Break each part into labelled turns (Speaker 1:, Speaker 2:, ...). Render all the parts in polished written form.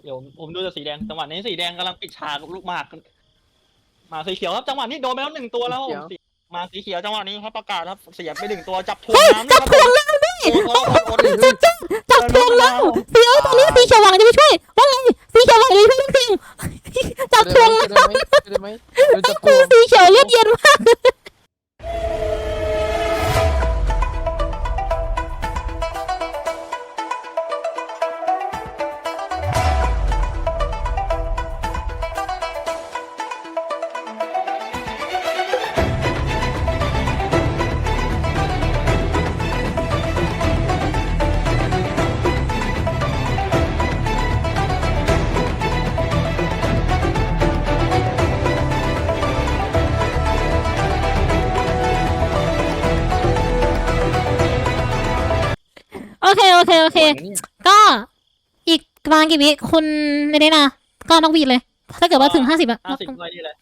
Speaker 1: เดี๋ยวผมดูแต่สีแดงจังหวะนี้สีแดงกำลังปิดฉากลูกหมากมาสีเขียวครับจังหวะนี้โดนไปแล้ว1ตัวแล้วมาสีเขียวจังหวะนี้ครับประกาศครับเสียไป1ตัวจับทวงน้ำ
Speaker 2: จับทวงแล้วนี่จับทวงแล้วสีตอนนี้สีเขียวหวังจะไปช่วยว่าไงสีเขียวหวังเลยช่วยทุกทีจับทวงแล้วคือสีเขียวเลือดเย็นมากโอเคก็อีกประมาณกี่วิคุณในนี้นะก็นกหวีดเลยถ้าเกิดว่าถึง50อะ
Speaker 1: 50เลยนี่แหละ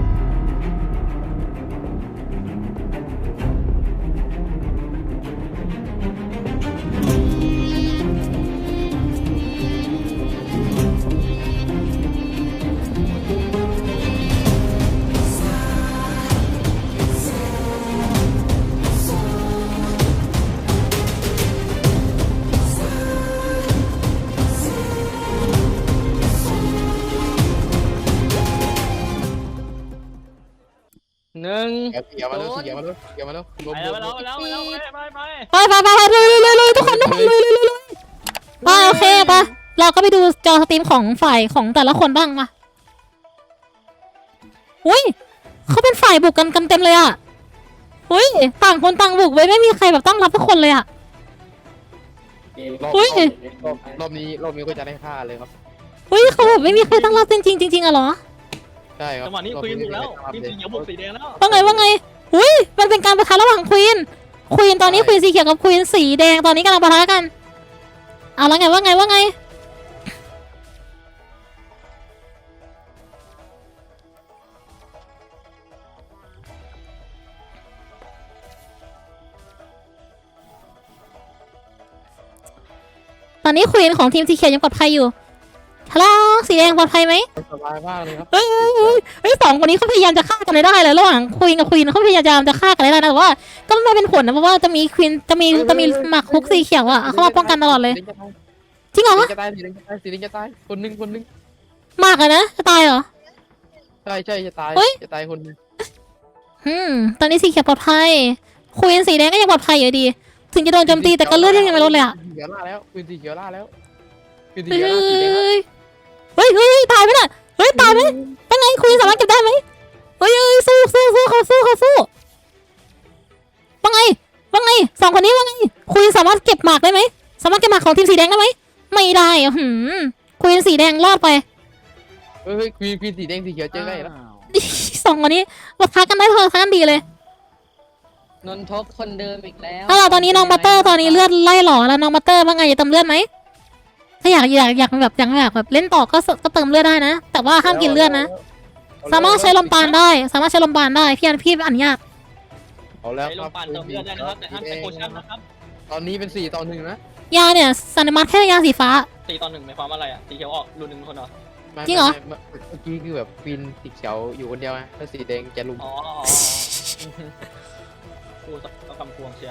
Speaker 3: หนึ่ง
Speaker 4: เกี่ยวมาแล้วไปแล้ว
Speaker 2: ไปทุกคนเลยไปโอเคปะเราก็ไปดูจอสตรีมของฝ่ายของแต่ละคนบ้างมาอุ้ยเขาเป็นฝ่ายบุกกันเต็มเลยอ่ะอุ้ยต่างคนต่างบุกไว้ไม่มีใครแบบตั้งรับทุกคนเลยอ่ะอุ้ย
Speaker 4: รอบนี้ก็จะได้ฆ่าเลยครับ
Speaker 2: อุ้ยเขาแบบไม่มีใครตั้งรับจริงอะเหรอ
Speaker 4: ใช่ครับ
Speaker 1: จังหวะนี้ควีนบุกแล้วทีมสีเขียวบุกสีแดงแล้ว
Speaker 2: ว่าไงอุ้ยมันเป็นการปะทะระหว่างควีนตอนนี้ควีนสีเขียวกับควีนสีแดงตอนนี้กำลังปะทะกันเอาแล้วไงว่าไงตอนนี้ควีนของทีมสีเขียวยังปลอดภัยอยู่ฮัลโหลสีแดงปลอดภัยไหม
Speaker 4: สบายมากเลยครับ
Speaker 2: เฮ้ยสองคนนี้เขาพยายามจะฆ่ากันได้เลยระหว่างควีนกับควีนเขาพยายามจะฆ่ากันได้นะแต่ว่าก็ไม่เป็นผลนะเพราะว่าจะมีควีนจะมีหมากคุกสีเขียวอ่ะเขามาป้องกันตลอดเลยจริงเหรอ
Speaker 4: จะตายสีแดงจะตายคนนึง
Speaker 2: หมากอะนะจะตายเหรอ
Speaker 4: ใช่จะตายคนนึง
Speaker 2: ตอนนี้สีเขียวปลอดภัยควีนสีแดงก็ยังปลอดภัยอยู่ดีถึงจะโดนโจมตีแต่ก็เลือดยังไม่ลดเลยอ่ะ
Speaker 4: เขียวล่าแล้วปืนสีเขียวล่าแล้วปืนสี
Speaker 2: เฮ้
Speaker 4: เขียวล่าสีแดง
Speaker 2: ยตายไหมน่ะเฮ้ยตายไหมเป็นไงควีนสามารถเก็บได้ไหมเฮ้ยสู้เขาสู้ว่าไงสองคนนี้ว่าไงควีนสามารถเก็บหมากได้ไหมสามารถเก็บหมากของทีมสีแดงได้ไหมไม่ได้อ่ะควีนสีแดงรอดไป
Speaker 4: เฮ้ยควีนสีแดงสีเขียวเจอได้แล้ว
Speaker 2: สองคนนี้ปะทะกันได้พอทะกันดีเลย
Speaker 3: นนทบคนเดิมอีกแล้ว
Speaker 2: ถ้าเราตอนนี้น้องบัตเตอร์ตอนนี้เลือดไล่หล่อแล้วน้องบัตเตอร์ว่าไงจะเติมเลือดไหมถ้าอยากแบบเล่นต่อก็เติมเลือดได้นะแต่ว่าห้ามกินเลือดนะสามารถใช้ลมปราณได้พี่อนุญาต
Speaker 4: เอาแล้ว
Speaker 1: ใช้ล
Speaker 4: ครั
Speaker 1: ม
Speaker 4: บ
Speaker 1: ปานเติมเลือดได้นะครับแต่ห้ามใช้โพชั่นนะครับ
Speaker 4: ตอนนี้เป็น4-1นะ
Speaker 2: ยาเนี่ยสันนิมัตแค่ยาสีฟ้า
Speaker 1: 4-1หมายความว่าอะไรอ่ะสีเขียวออกรุนหนึ่งคนเหรอ
Speaker 2: จริงเหรอ
Speaker 4: เมื่อกี้คือแบบควีนสีเขียวอยู่คนเดียวไงแล้วสีแดงจะลุม
Speaker 1: อ๋อกูต้องคำพวงเชียร์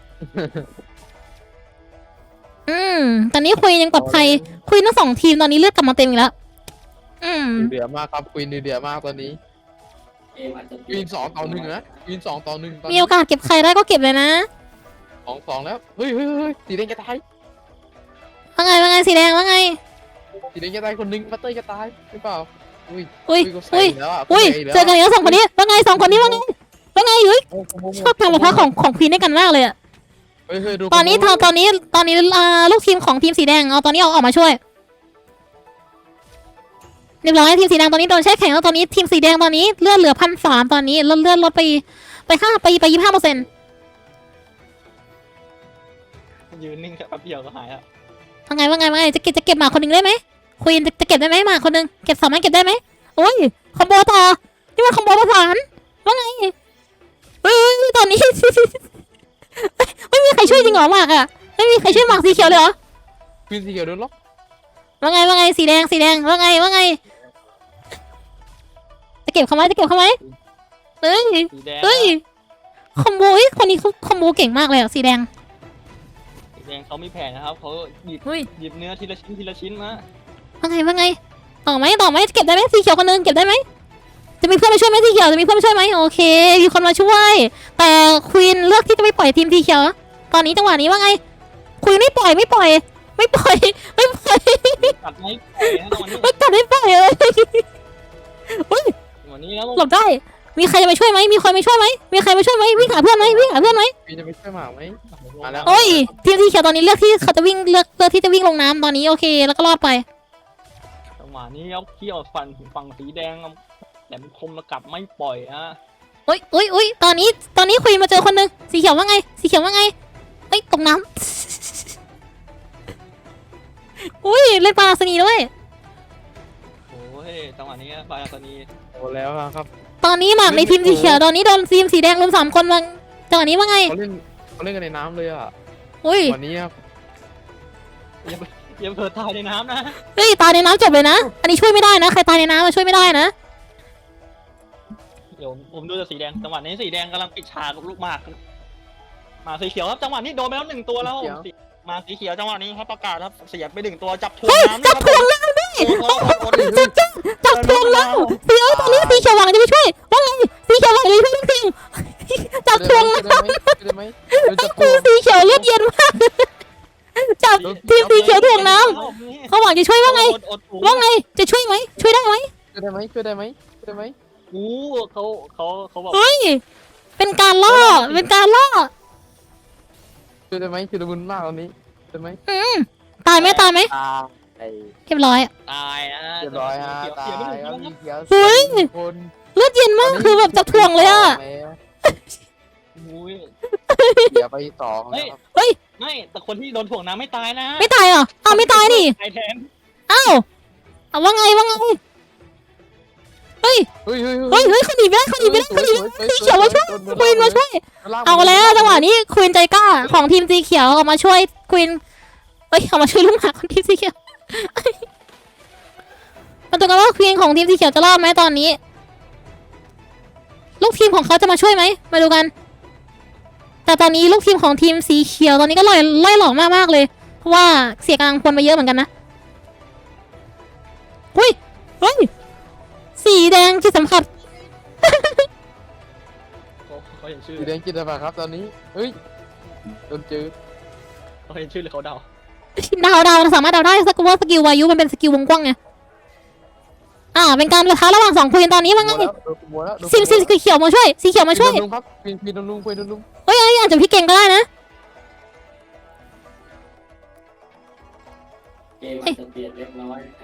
Speaker 2: ตอนนี้คุยยังปลอดภัยคุยทั้งสองทีมตอนนี้เลือดกลับมาเต็มอีกแล้ว
Speaker 4: เดือดมากครับควีนเดือดมากตอนนี้ควีน2-1นะควีน2-1
Speaker 2: มีโอกาสเก็บใครได้ก็เก็บเลยนะ
Speaker 4: 2-2แล้วเฮ้ยสีแดงจะตาย
Speaker 2: ว่าไงสีแดงว่าไง
Speaker 4: สีแดงจะตายคนนึงบัตเตอร์จะตายหรือเปล่าอุ้ย
Speaker 2: เจอกันแล้วสองคนนี้ว่าไงสองคนนี้ว่าไงชอบการปะทะของควีนด้วยกันมากเลยอะตอนนี้ลูกทีมของทีมสีแดงเอาตอนนี้ออกมาช่วยเรียบร้อยทีมสีแดงตอนนี้โดนแช่แข็งแล้วตอนนี้ทีมสีแดงตอนนี้เลือดเหลือ1,300ตอนนี้เลือดลดไป25%
Speaker 1: ยืนนิ่งแค่แป๊บเดียวก็หายอ่ะ
Speaker 2: ว่าไงจะเก็บหมาคนหนึ่งได้ไหมควีนจะเก็บได้ไหมหมาคนหนึ่งสามารถเก็บได้ไหมโอ้ยคอมโบต่อนี่มันคอมโบประสานว่าไงตอนนี้ ไม่มีใครช่วยจริงเหรอหมากอะไม่มีใครช่วยหมากสีเขียวเลยเหรอ
Speaker 4: ควีนสีเขียวโดนล็อก
Speaker 2: ว่าไงว่าไงสีแดงว่าไงว่าไงจะเก็บเขาไหมเฮ้ย
Speaker 1: สีแดง
Speaker 2: เฮ้ยคอมโบเฮ้ยคนนี้เขาคอมโบเก่งมากเลยอะสีแดง
Speaker 1: สีแดงเขามีแผนนะครับเขาหยิบ
Speaker 2: เฮ้ย
Speaker 1: หยิบเนื้อทีละชิ้นมา
Speaker 2: ว่าไงต่อไหมเก็บได้ไหมสีเขียวคนนึงเก็บได้ไหมจะมีเพื่อนมาช่วยไหมสีเขียวจะมีเพื่อนมาช่วยไหมโอเคมีคนมาช่วย แต่ควีนเลือกที่จะไม่ปล่อยทีมสีเขียวตอนนี้จังหวะนี้ว่าไงควีนไม่ปล่อย
Speaker 1: ตัดไม้ปล่อยนะตอนนี้
Speaker 2: ไม่กัดไม่ปล่อยเลยเฮ้ย
Speaker 1: วันนี้แล้ว
Speaker 2: หลบได้ มีใครจะมาช่วยไหมมีใครมาช่วยไหมวิ่งหาเพื่อนไหม
Speaker 4: พี่จะไม่ช่วยหมากไหม มาแล้ว
Speaker 2: โอ้ยทีมสีเขียวตอนนี้เลือกที่เขาจะวิ่งเลือกที่จะวิ่งลงน้ำตอนนี้โอเคแล้วก็รอดไป
Speaker 1: จังหวะนี้เอาเขี้ยวฝั่งสีแดงแหลมคมแล้วกลับไม่ปล่อยอ่ะ
Speaker 2: โอ้ยตอนนี้ควีนมาเจอคนหนึงสีเขียวว่าไงเอ้ยตกน้ำ อุ้ยเล่นปลาสนีด้วย
Speaker 1: โอ้ยจังหวะนี้บาราตานี
Speaker 4: โอ้แล้วครับ
Speaker 2: ตอนนี้หมากในทีมสีเขียวตอนนี้โดนทีมสีแดงรุม3 คนมาจังหวะนี้ว่าไง
Speaker 4: เขาเล่นกันในน้ำเลยอ่ะ
Speaker 2: อุ้ย
Speaker 4: วันนี้ครับ
Speaker 1: อย่าเผลอตายในน้ำนะ
Speaker 2: เฮ้ยตายในน้ำจบเลยนะ อันนี้ช่วยไม่ได้นะใครตายในน้ำมาช่วยไม่ได้นะ
Speaker 1: เดี๋ยวผมดูแต่สีแดงจังหวะนี้สีแดงกำลังปิดฉากกับลูกหมากมาสีเขียวครับจังหวะนี้โดนไปแล้ว1 ตัวแล้วมาสีเขียวจังหวะนี้ครับประกาศครับเสียไป1 ตัวจับถ่วงน้ำ
Speaker 2: จับถ่วงน้ำดิจับถ่วงน้ำสีตอนนี้สีเขียวหวังจะไปช่วยว่าไงสีเขียวหวังจะไปช่วยทุกทีมจับถ่วงน้ำ
Speaker 4: ได้ไหมจะโกง
Speaker 2: สีเขียวเลือดเย็นมากจับทีมสีเขียวถ่วงน้ำเขาหวังจะช่วยว่าไงจะช่วยไหมช่วยได้ไหม
Speaker 4: ช่วยได้ไหม
Speaker 1: อู้เขาบอก
Speaker 2: เฮ้ยเป็นการล่อ
Speaker 4: ช่วยได้ไหมชุดละมุนมากตอนนี้ได้ไหม
Speaker 2: ตายไหม
Speaker 4: ตาย
Speaker 2: เรียบร้อย
Speaker 1: ตายนะ
Speaker 4: เรียบร้อยฮะตาย
Speaker 1: เสียไม่
Speaker 4: ค
Speaker 1: ถึ
Speaker 4: รับ
Speaker 1: ง
Speaker 4: มีเขียว
Speaker 2: เฮ้ย
Speaker 4: คน
Speaker 2: เลือดเย็นมากคือแบบจับถ่วงเลยอะ
Speaker 1: อุ้ย
Speaker 4: เดี๋ยวไป2แล้วครับ
Speaker 1: ไม่แต่คนที่โดนถ่วงน้ำไม่ตายนะ
Speaker 2: ไม่ตายเหรออ้าวไม่ตายนี่
Speaker 1: ตายแทน
Speaker 2: อ้าวเอาว่าไงเฮ้ยเขาหนีไปได้สีเขียวมาช่วยควีนมาช่วยเอาแล้วจังหวะนี้ควีนใจกล้าของทีมสีเขียวออกมาช่วยควีนเอ้ยออกมาช่วยลูกหมาของทีมสีเขียวมาดูกันว่าควีนของทีมสีเขียวจะรอดไหมตอนนี้ ลูกทีมของเขาจะมาช่วยไหมมาดูกัน แต่ตอนนี้ลูกทีมของทีมสีเขียวตอนนี้ก็ไล่หลอกมากๆเลยเพราะว่าเสียกำลังพลไปเยอะเหมือนกันนะเฮ้ยสีแดงที่สัมผัส
Speaker 1: เขาเห็นชื่อ
Speaker 4: สีแดงกินอะไรครับตอนนี้เฮ้ยโดนจืด
Speaker 1: เขาเห็นชื่อหรือเขาเดา
Speaker 2: ดาวสามารถเดาได้สักว่าสกิลวายุมันเป็นสกิลวงกว้างไงเป็นการประทะระหว่าง2 ควีนตอนนี้ว่าไงสีเขียวมาช่วยสีเขียวมาช่วย
Speaker 4: ลุงครับควีนโดนลุง
Speaker 2: เฮ้ยอาจจะพี่เก่งก็ได้นะ
Speaker 5: เกมอาจจะเปลี่ยนเล็กน้อยนะ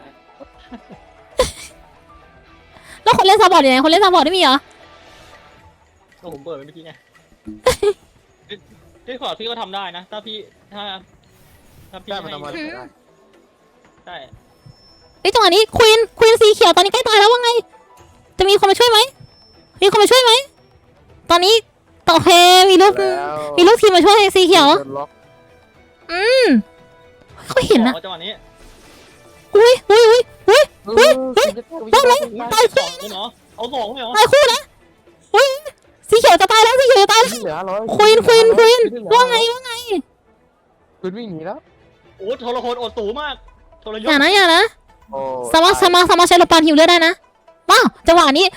Speaker 2: แล้วคนเล่นซัพพอร์ตอยู่ไหนคนเล่นซัพพอร์ตไม่มีเหรอ
Speaker 1: ก็ผมเปิดไปเมื่อกี้ไงพี่ขอพี่ก็ทำได้นะถ้าพี่
Speaker 4: ได้มันทำมาได้
Speaker 1: ใช่
Speaker 2: เฮ้ยจังหวะนี้ควีนสีเขียวตอนนี้ใกล้ตายแล้วว่าไงจะมีคนมาช่วยไหมตอนนี้โอเคมีลูกทีมมาช่วยสีเขียวเขาเห็นนะ
Speaker 1: จังหวะนี้
Speaker 2: อุ้ย
Speaker 4: ได้ไหม
Speaker 2: ตายคู่
Speaker 1: เนาะเอา2เลยเหรอ
Speaker 2: ตายคู่นะอุ้ยสีเขียวจะตายแล้ว
Speaker 4: เหลือ100
Speaker 2: ควีนว่าไง
Speaker 4: คุณวิ่งหนีแล้ว
Speaker 1: โอ้โทรโคนอดสูงมากโทรย
Speaker 2: อย่านะ
Speaker 4: โอ้
Speaker 2: สามารถใช้ลมปานหิวเลือดได้นะว้าวจังหวะนี้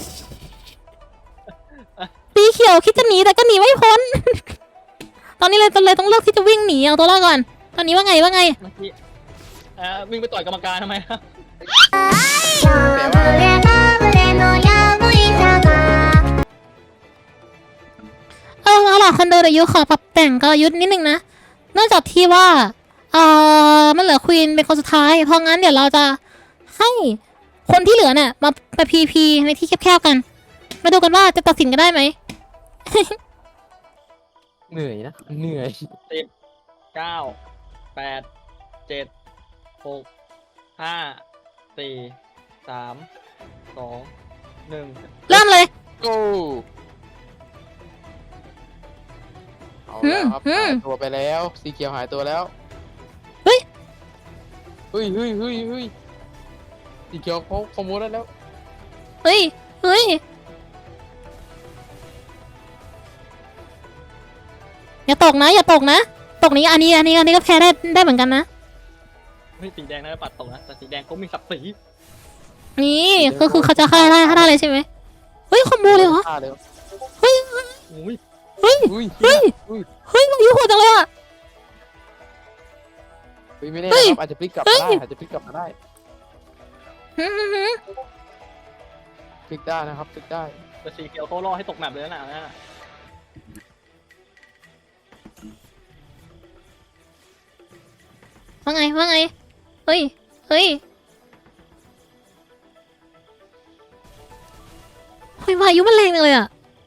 Speaker 2: สีเขียวคิดจะหนีแต่ก็หนีไม่พ้น ตอนนี้เลยต้องเลือกที่จะวิ่งหนีเอาตัวรอดก่อน ตอนนี้ว่าไง
Speaker 1: เมื่อกี้วิ่งไปต่อยกรรมการทำไมครับ
Speaker 2: เอาล่ะคนเดินอายุขอปรับแต่งกลยุทธ์นิดนึงนะเนื่องจากที่ว่ามันเหลือควีนเป็นคนสุดท้ายเพราะงั้นเดี๋ยวเราจะให้คนที่เหลือเนี่ยมาไปพีในที่แคบๆกันมาดูกันว่าจะตัดสินกันได้ไหม
Speaker 4: เหนื่อย
Speaker 1: 9 8 7 6 5 4 3 2 1
Speaker 2: เริ่มเลย
Speaker 4: โก้เอาแล้วครับหายตัวไปแล้วสีเขียวหายตัวแล้วเฮ้ยสีเขียวเขาขโมยได้แล้ว
Speaker 2: เฮ้ยอย่าตกนะตกนี้อันนี้ก็แพ้ได้เหมือนกันนะ
Speaker 1: เฮ้ยสีแดงน่าจะปัดตกนะแต่สีแดงเขามีศักดิ์ศรี
Speaker 2: นี่ก็คือเขาจะฆ่าได้เลยใช่ไหมเฮ้ยคอมโบเลยเหรอ
Speaker 4: ฆ่าเลย
Speaker 1: อุ้ย
Speaker 2: มันยุ่งโหดจังเลยอ่ะ
Speaker 4: ไม่แน่นะครับอาจจะพลิกกลับมาได้พลิกได้นะครับพลิกได้
Speaker 1: แต่สีเขียวเขาล่อให้ตกแมปเลยนะ
Speaker 2: ว่าไงเฮ้ยพายุมันแรงจังเลยอ่ะ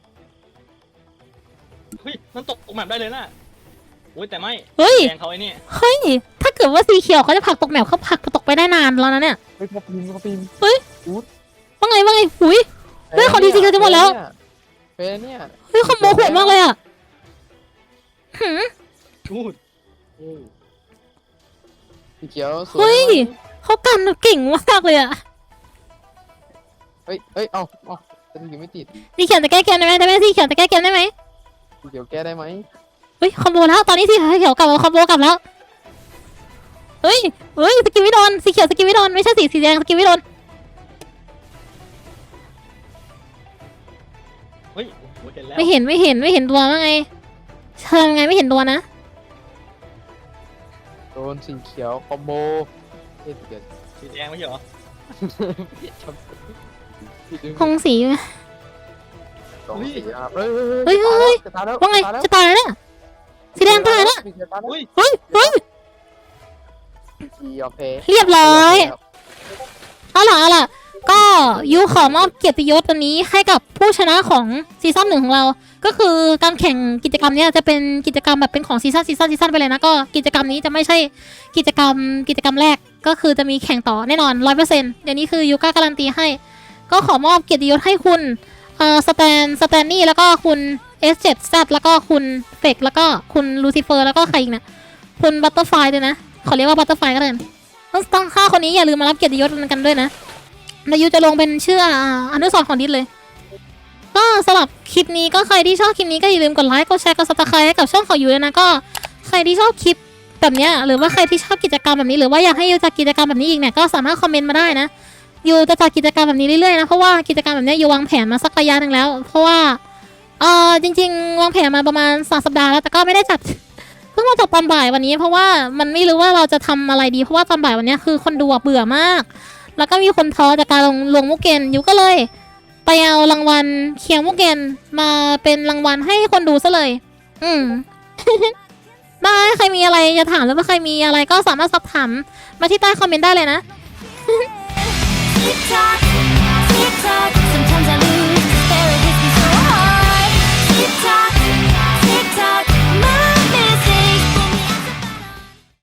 Speaker 1: เฮ้ยมันตกแมปได้เลยนะโอ้ยแต่ไม่
Speaker 2: เฮ้ย
Speaker 1: แดงเขาไอ้นี่
Speaker 2: ถ้าเกิดว่าสีเขียวเขาจะผลักตกแมปเขาผลักตกไปได้นานแล้วนะเนี่ย
Speaker 4: เฮ้ยเขาปีน
Speaker 2: ว่าไงหุย เฮ้ยของดีจริงๆจะหมดแล้ว
Speaker 4: เป็นเนี่ย
Speaker 2: เฮ้ยคอมโบโหดมากเลยอ่ะ
Speaker 1: พูด
Speaker 4: สีเขียวสวย
Speaker 2: เฮ้ยเขากันเก่งมากเลยอ่ะ
Speaker 4: เฮ้ยเอาจะถึงไม่ติด
Speaker 2: สีเขียวจะแก้เกมได้ไหมสีเขียวจะแก้เกมได้ไหม
Speaker 4: สีเขียวแก้ได้ไหม
Speaker 2: เฮ้ยคอมโบแล้วตอนนี้สีเขียวกลับมาคอมโบกลับแล้วเฮ้ยสกิลไม่โดนสีเขียวสกิลไม่โดนไม่ใช่สีแดงสกิลไม่โดน
Speaker 1: เฮ้ยโอ้ยเห็นแล้ว
Speaker 2: ไม่เห็นตัวว่าไงเชิงไงไม่เห็นตัวนะ
Speaker 4: โดนสีเขียวคอมโบเดี๋ยว
Speaker 1: สีแดงไม่ใช่เหรอ
Speaker 2: คงสีไหม
Speaker 4: สองสีครับ
Speaker 2: เฮ้ย
Speaker 4: จะตายแล้ว
Speaker 2: ว่าไงจะตายแล้วเนี่ยสีแดงตายแล้ว
Speaker 1: อุ้ย
Speaker 2: เฮ้ย
Speaker 4: สียอมแพ้
Speaker 2: เรียบร้อยเอาล่ะก็ยูขอมอบเกียรติยศตัวนี้ให้กับผู้ชนะของซีซั่น 1ของเราก็คือการแข่งกิจกรรมเนี้ยจะเป็นกิจกรรมแบบเป็นของซีซั่นไปเลยนะก็กิจกรรมนี้จะไม่ใช่กิจกรรมแรกก็คือจะมีแข่งต่อแน่นอน 100% เดี๋ยวนี้คือยูก้าการันตีให้ก็ขอมอบเกียรติยศให้คุณสแตนนี่แล้วก็คุณ S7Z แล้วก็คุณเฟกแล้วก็คุณลูซิเฟอร์แล้วก็ใครอีกนะคุณบัตเตอร์ไฟด้วยนะขอเรียกว่าบัตเตอร์ไฟก็ได้ต้องฆ่าคนนี้อย่าลืมมารับเกียรติยศกันด้วยนะแล้วยูจะลงเป็นชื่ออนุสรณ์ของดิสเลยก็สำหรับคลิปนี้ก็ใครที่ชอบคลิปนี้ก็อย่าลืมกดไลค์กดแชร์กดซับสไครต์ให้กับช่องของยูเลยนะก็ใครที่ชอบคลิปแบบเนี้ยหรือว่าใครที่ชอบกิจกรรมแบบนี้หรือว่าอยากให้ยูจัดกิจกรรมแบบนี้อีกเนี่ยก็สามารถคอมเมนต์มาได้นะยูจะจัดกิจกรรมแบบนี้เรื่อยๆนะเพราะว่ากิจกรรมแบบนี้ยูวางแผนมาสักระยะหนึ่งแล้วเพราะว่าจริงๆวางแผนมาประมาณ2 สัปดาห์แล้วแต่ก็ไม่ได้จัดเพิ่งมาจัดตอนบ่ายวันนี้เพราะว่ามันไม่รู้ว่าเราจะทำอะไรดีเพราะว่าตอนบ่ายวันนี้คือคนดูเบื่อมากแล้วก็มีคนท้อจากการลงมุกเกนยูก็เลยไปเอารางวัลเคียงมุกเกนมาเป็นรางวัลให้คนดูซะเลยได้ใครมีอะไรจะถามหรือว่าใครมีอะไรก็สามารถสอบถามมาที่ใต้คอมเมนต์ได้เลยนะ
Speaker 6: Tick tock, tick tock.